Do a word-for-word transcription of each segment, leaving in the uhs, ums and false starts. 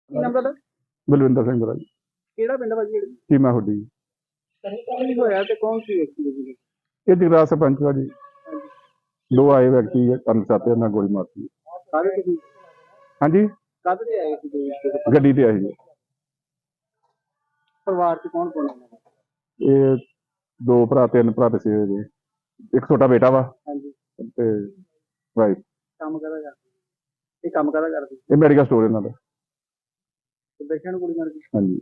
ਕੀ ਨਾਮ ਤੁਹਾਡਾ? ਬਲਵਿੰਦਰ ਸਿੰਘ ਬਰਾ ਜੀ। ਕਿਹੜਾ ਪਿੰਡ ਵਾ ਜੀ? ਚੀਮਾ ਹੁੱਡੀ ਜੀ। ਕੀ ਹੋਇਆ ਤੇ ਕੌਣ ਸੀ ਵਿਅਕਤੀ ਜੀ? ਇਹ ਜਗਰਾਜ ਸਰਪੰਚ ਵਾ ਜੀ। ਹਾਂਜੀ। ਦੋ ਆਏ ਵਿਅਕਤੀ ਕਰਨ ਸਾਤੇ ਉਹਨਾਂ ਗੋਲੀ ਮਾਰਤੀ। ਕਾਹਦੇ ਤੇ ਸੀ? ਹਾਂਜੀ, ਕਾਹਦੇ ਤੇ ਆਏ ਸੀ ਜੀ? ਗੱਡੀ ਤੇ ਆਏ ਜੀ। ਪਰਿਵਾਰ ਚ ਕੌਣ ਕੌਣ ਹੈ? ਇਹ ਦੋ ਭਰਾ ਤਿੰਨ ਭਰਾ ਤੇ ਸੀ ਜੀ। ਇੱਕ ਛੋਟਾ ਬੇਟਾ ਵਾ ਹਾਂਜੀ। ਤੇ ਵਾਈਫ। ਕੰਮ ਕਰਦਾ ਕਰਦੇ? ਇਹ ਕੰਮ ਕਰਦਾ ਕਰਦੇ? ਇਹ ਮੈਡੀਕਲ ਸਟੋਰ ਇਹਨਾਂ ਦਾ। ਤੇ ਦੇਖਿਆ ਨੂੰ ਗੋਲੀ ਮਾਰ ਗਈ? ਹਾਂਜੀ।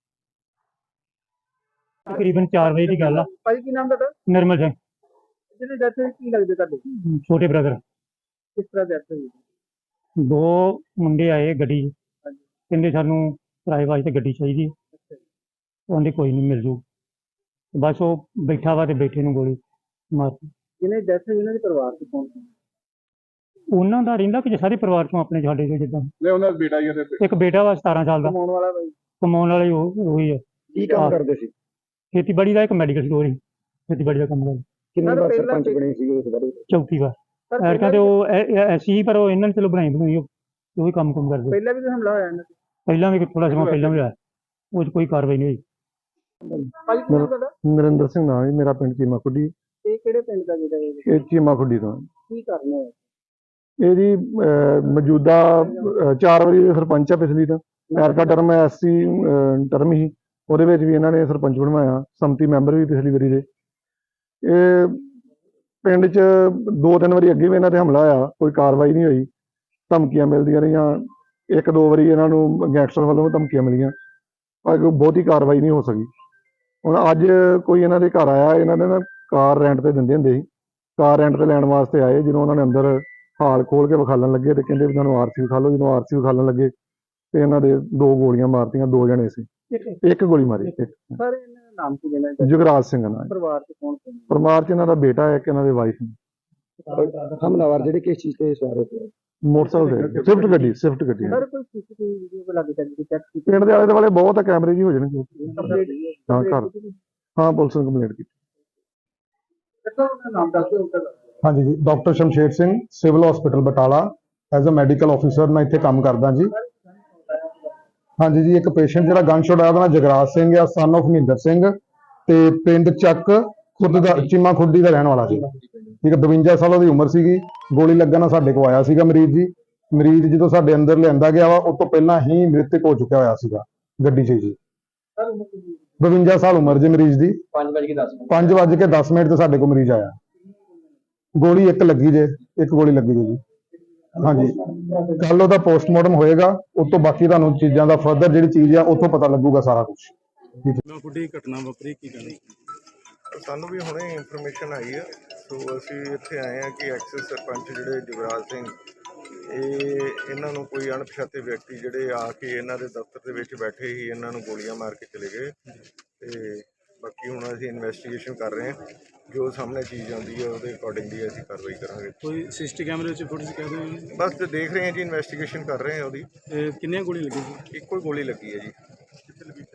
ਤਕਰੀਬਨ ਚਾਰ ਵਜੇ ਦੀ ਗੱਲ ਆ। ਭਾਈ ਕੀ ਨਾਮ ਤੁਹਾਡਾ? ਨਿਰਮਲ ਸਿੰਘ, ਜਿਹਨੇ ਡੈਥ ਹੋਈ ਕੀ ਲੱਗਦੇ ਤੁਹਾਡੇ? ਛੋਟੇ ਬ੍ਰਦਰ। ਕਿਸ ਤਰ੍ਹਾਂ ਡੈਥ ਹੋਈ? ਦੋ ਮੁੰਡੇ ਆਏ ਗੱਡੀ 'ਚ, ਹਾਂਜੀ। ਕਹਿੰਦੇ ਸਾਨੂੰ ਕਿਰਾਏ ਵਾਸਤੇ ਗੱਡੀ ਚਾਹੀਦੀ। ਅੱਛਾ ਜੀ। ਉਹਦੇ ਕੋਈ ਨਹੀਂ ਮਿਲ ਜੂ। ਬਸ ਉਹ ਬੈਠਾ ਵਾ ਤੇ ਬੈਠੇ ਨੂੰ ਗੋਲੀ ਮਾਰਤੀ। ਜਿਹਨੇ ਡੈਥ ਹੋਈ ਉਹਨਾਂ ਦੇ ਪਰਿਵਾਰ ਚ ਕੌਣ ਸੀ? ਉਹਨਾਂ ਦਾ ਰਹਿੰਦਾ ਕਿ ਸਾਰੇ ਪਰਿਵਾਰ ਚੋਂ ਆਪਣੇ ਸਾਡੇ ਚੋਂ ਜਿੱਦਾਂ ਨਹੀਂ, ਉਹਨਾਂ ਦਾ ਬੇਟਾ ਹੀ ਹੈ। ਇੱਕ ਬੇਟਾ ਵਾ ਸਤਾਰਾਂ ਸਾਲ ਦਾ। ਕਮਾਉਣ ਵਾਲਾ ਬਾਈ? ਕਮਾਉਣ ਵਾਲੇ ਉਹ ਉਹੀ ਹੈ। ਕੀ ਕੰਮ ਕਰਦੇ ਸੀ? ਖੇਤੀਬਾੜੀ ਦਾ ਇੱਕ ਮੈਡੀਕਲ ਸਟੋਰ ਸੀ, ਖੇਤੀਬਾੜੀ ਦਾ ਕੰਮ ਕਰਦਾ। ਕਿੰਨੇ ਵਾਰ ਸਰਪੰਚ ਬਣੇ ਸੀ ਉਸ ਬਾਰੇ? ਚੌਥੀ ਵਾਰ। ਐਰਕਾਂ ਤੇ ਉਹ ਐਸੀ ਪਰ ਉਹ ਇਹਨਾਂ ਨੇ ਚਲੋ ਬਣਾਈ ਬਣਾਈ ਉਹ ਵੀ ਕੰਮ ਕੰਮ ਕਰਦੇ। ਪਹਿਲਾਂ ਵੀ ਹਮਲਾ ਹੋਇਆ ਇਹਨਾਂ ਤੇ? ਪਹਿਲਾਂ ਵੀ ਥੋੜਾ ਸਮਾਂ ਪਹਿਲਾਂ ਵੀ ਹੋਇਆ, ਉਹ 'ਚ ਕੋਈ ਕਾਰਵਾਈ ਨਹੀਂ ਹੋਈ। ਭਾਈ ਕੀ ਨਾਮ ਤੁਹਾਡਾ? ਨਰਿੰਦਰ ਸਿੰਘ ਨਾਮ ਹੈ ਮੇਰਾ, ਪਿੰਡ ਚੀਮਾ ਖੁੱਡੀ। ਇਹ ਕਿਹੜੇ ਪਿੰਡ ਦਾ ਜਿਹੜਾ ਇਹ? ਇਹ ਚੀਮਾ ਖੁੱਡੀ ਤੋਂ। ਕੀ ਕਰਨਾ ਹੈ? ਇਹ ਜੀ ਅਹ, ਮੌਜੂਦਾ ਅਹ, ਚਾਰ ਵਾਰੀ ਸਰਪੰਚ ਆ ਪਿਛਲੀ ਤਾਂ। ਐਰਕਾ ਟਰਮ ਐਸਸੀ ਟਰਮ ਹੀ ਉਹਦੇ ਵਿੱਚ ਵੀ ਇਹਨਾਂ ਨੇ ਸਰਪੰਚ ਬਣਵਾਇਆ, ਸੰਮਤੀ ਮੈਂਬਰ ਵੀ ਪਿਛਲੀ ਵਾਰੀ ਦੇ। ਇਹ ਪਿੰਡ 'ਚ ਦੋ ਤਿੰਨ ਵਾਰੀ ਅੱਗੇ ਵੀ ਇਹਨਾਂ ਤੇ ਹਮਲਾ ਹੋਇਆ, ਕੋਈ ਕਾਰਵਾਈ ਨਹੀਂ ਹੋਈ। ਧਮਕੀਆਂ ਮਿਲਦੀਆਂ ਰਹੀਆਂ, ਇੱਕ ਦੋ ਵਾਰੀ ਇਹਨਾਂ ਨੂੰ ਗੈਂਗਸਟਰ ਵੱਲੋਂ ਧਮਕੀਆਂ ਮਿਲੀਆਂ, ਪਰ ਕੋਈ ਬਹੁਤੀ ਕਾਰਵਾਈ ਨਹੀਂ ਹੋ ਸਕੀ। ਹੁਣ ਅੱਜ ਕੋਈ ਇਹਨਾਂ ਦੇ ਘਰ ਆਇਆ, ਇਹਨਾਂ ਨੇ ਨਾ ਕਾਰ ਰੈਂਟ ਤੇ ਦਿੰਦੇ ਹੁੰਦੇ ਸੀ, ਕਾਰ ਰੈਂਟ ਤੇ ਲੈਣ ਵਾਸਤੇ ਆਏ। ਜਦੋਂ ਉਹਨਾਂ ਨੇ ਅੰਦਰ ਹਾਲ ਖੋਲ ਕੇ ਵਿਖਾਲਣ ਲੱਗੇ ਤੇ ਕਹਿੰਦੇ ਵੀ ਤੁਹਾਨੂੰ ਆਰਸੀ ਵਿਖਾ ਲਓ। ਜਦੋਂ ਆਰਸੀ ਵਿਖਾਲਣ ਲੱਗੇ ਤੇ ਇਹਨਾਂ ਦੇ ਦੋ ਗੋਲੀਆਂ ਮਾਰਤੀਆਂ। ਦੋ ਜਣੇ ਸੀ, ਇੱਕ ਗੋਲੀ ਮਾਰੀ। ਇੱਕ ਸਰ ਇਹਨਾਂ ਦਾ ਨਾਮ ਕੀ ਦੇਣਾ? ਜੁਗਰਾਜ ਸਿੰਘ ਨਾਲ। ਪਰਿਵਾਰ ਚ ਕੌਣ ਕੌਣ? ਪਰਿਵਾਰ 'ਚ ਇਹਨਾਂ ਦਾ ਬੇਟਾ ਹੈ, ਇੱਕ ਇਹਨਾਂ ਦੇ ਵਾਈਫ ਨੇ। ਹਮਲਾਵਰ ਜਿਹੜੇ ਕਿਸ ਚੀਜ਼ ਤੇ ਸਵਾਰ ਹੋਏ? ਮੋਟਰਸਾਈਕਲ ਤੇ ਸਵਿਫਟ ਗੱਡੀ ਸਵਿਫਟ ਗੱਡੀ ਹੈ। ਸਰ ਕੋਈ ਸੀਸੀਟੀਵੀ ਵੀਡੀਓ ਕੋ ਲੱਗ ਚੱਲ ਚੈੱਕ ਕੀਤੀ? ਪਿੰਡ ਦੇ ਆਲੇ ਦੁਆਲੇ ਬਹੁਤ ਆ, ਕੈਮਰੇ ਜੀ ਹੋ ਜਾਣਗੇ। ਹਾਂ ਘਰ ਹਾਂ ਪੁਲਿਸ ਨੂੰ ਕੰਪਲੇਂਟ ਕੀਤੀ। ਨਾਮ ਦੱਸ ਦਿਓ। ਹਾਂਜੀ ਜੀ, doctor Shamsher Singh, civil hospital Batala, as uh medical officer ਮੈਂ ਇੱਥੇ ਕੰਮ ਕਰਦਾ ਜੀ। ਹਾਂਜੀ ਜੀ, ਇੱਕ ਪੇਸ਼ੈਂਟ ਜਿਹੜਾ ਗਨ ਸ਼ਾਟ ਆਇਆ ਉਹਦਾ ਨਾਮ ਜਗਰਾਜ ਸਿੰਘ ਆ, ਸਨ ਆਫ ਮਹਿੰਦਰ ਸਿੰਘ, ਤੇ ਪਿੰਡ ਚੱਕ ਖੁਰਦ ਦਾ ਚੀਮਾ ਖੁਰਦੀ ਦਾ ਰਹਿਣ ਵਾਲਾ ਸੀ। ਠੀਕ ਹੈ, ਬਵੰਜਾ ਸਾਲ ਦੀ ਉਮਰ ਸੀਗੀ। ਗੋਲੀ ਲੱਗਣ ਨਾਲ ਸਾਡੇ ਕੋਲ ਆਇਆ ਸੀਗਾ ਮਰੀਜ਼ ਜੀ। ਮਰੀਜ਼ ਜਦੋਂ ਸਾਡੇ ਅੰਦਰ ਲਿਆਂਦਾ ਗਿਆ ਵਾ, ਉਸ ਤੋਂ ਪਹਿਲਾਂ ਹੀ ਮ੍ਰਿਤਕ ਹੋ ਚੁੱਕਿਆ ਹੋਇਆ ਸੀਗਾ ਗੱਡੀ 'ਚ ਜੀ। ਬਵੰਜਾ ਸਾਲ ਉਮਰ ਜੀ ਮਰੀਜ਼ ਦੀ। ਪੰਜ ਵੱਜ ਕੇ ਦਸ ਮਿੰਟ ਤੇ ਸਾਡੇ ਕੋਲ ਮਰੀਜ਼ ਆਇਆ। ਗੋਲੀ ਇੱਕ ਲੱਗੀ ਜੇ, ਇੱਕ ਗੋਲੀ ਲੱਗੀ ਜੀ। ਹਾਂਜੀ, ਕੱਲ ਉਹਦਾ ਪੋਸਟਮਾਰਟਮ ਹੋਏਗਾ, ਉਸ ਤੋਂ ਬਾਕੀ ਤੁਹਾਨੂੰ ਚੀਜ਼ਾਂ ਦਾ ਫਰਦਰ ਜਿਹੜੀ ਚੀਜ਼ ਆ ਉੱਥੋਂ ਪਤਾ ਲੱਗੂਗਾ ਸਾਰਾ ਕੁਝ। ਕੁੜੀ ਘਟਨਾ ਵਾਪਰੀ ਕੀ ਕਹਿਣਾ? ਸਾਨੂੰ ਵੀ ਹੁਣੇ ਇਨਫੋਰਮੇਸ਼ਨ ਆਈ ਹੈ, ਸੋ ਅਸੀਂ ਇੱਥੇ ਆਏ ਹਾਂ ਕਿ ਐਕਸਿਸ ਸਰਪੰਚ ਜਿਹੜੇ ਜੁਗਰਾਜ ਸਿੰਘ, ਇਹ ਇਹਨਾਂ ਨੂੰ ਕੋਈ ਅਣਪਛਾਤੇ ਵਿਅਕਤੀ ਜਿਹੜੇ ਆ ਕੇ ਇਹਨਾਂ ਦੇ ਦਫ਼ਤਰ ਦੇ ਵਿੱਚ ਬੈਠੇ ਹੀ ਇਹਨਾਂ ਨੂੰ ਗੋਲੀਆਂ ਮਾਰ ਕੇ ਚਲੇ ਗਏ। ਤੇ ਬਾਕੀ ਹੁਣ ਅਸੀਂ ਇਨਵੈਸਟੀਗੇਸ਼ਨ ਕਰ ਰਹੇ ਹਾਂ, ਜੋ ਸਾਹਮਣੇ ਚੀਜ਼ ਆਉਂਦੀ ਹੈ ਉਹਦੇ ਅਕੋਰਡਿੰਗਲੀ ਅਸੀਂ ਕਾਰਵਾਈ ਕਰਾਂਗੇ। ਕੋਈ ਸਿਸਟੀ ਕੈਮਰੇ ਵਿੱਚ ਫੁਟੇਜ ਕਹਿ ਦਿਓ? ਬਸ ਦੇਖ ਰਹੇ ਹਾਂ ਜੀ, ਇਨਵੈਸਟੀਗੇਸ਼ਨ ਕਰ ਰਹੇ ਹਾਂ ਉਹਦੀ। ਕਿੰਨੀਆਂ ਗੋਲੀਆਂ ਲੱਗੀਆਂ? ਇੱਕੋ ਹੀ ਗੋਲੀ ਲੱਗੀ ਹੈ ਜੀ।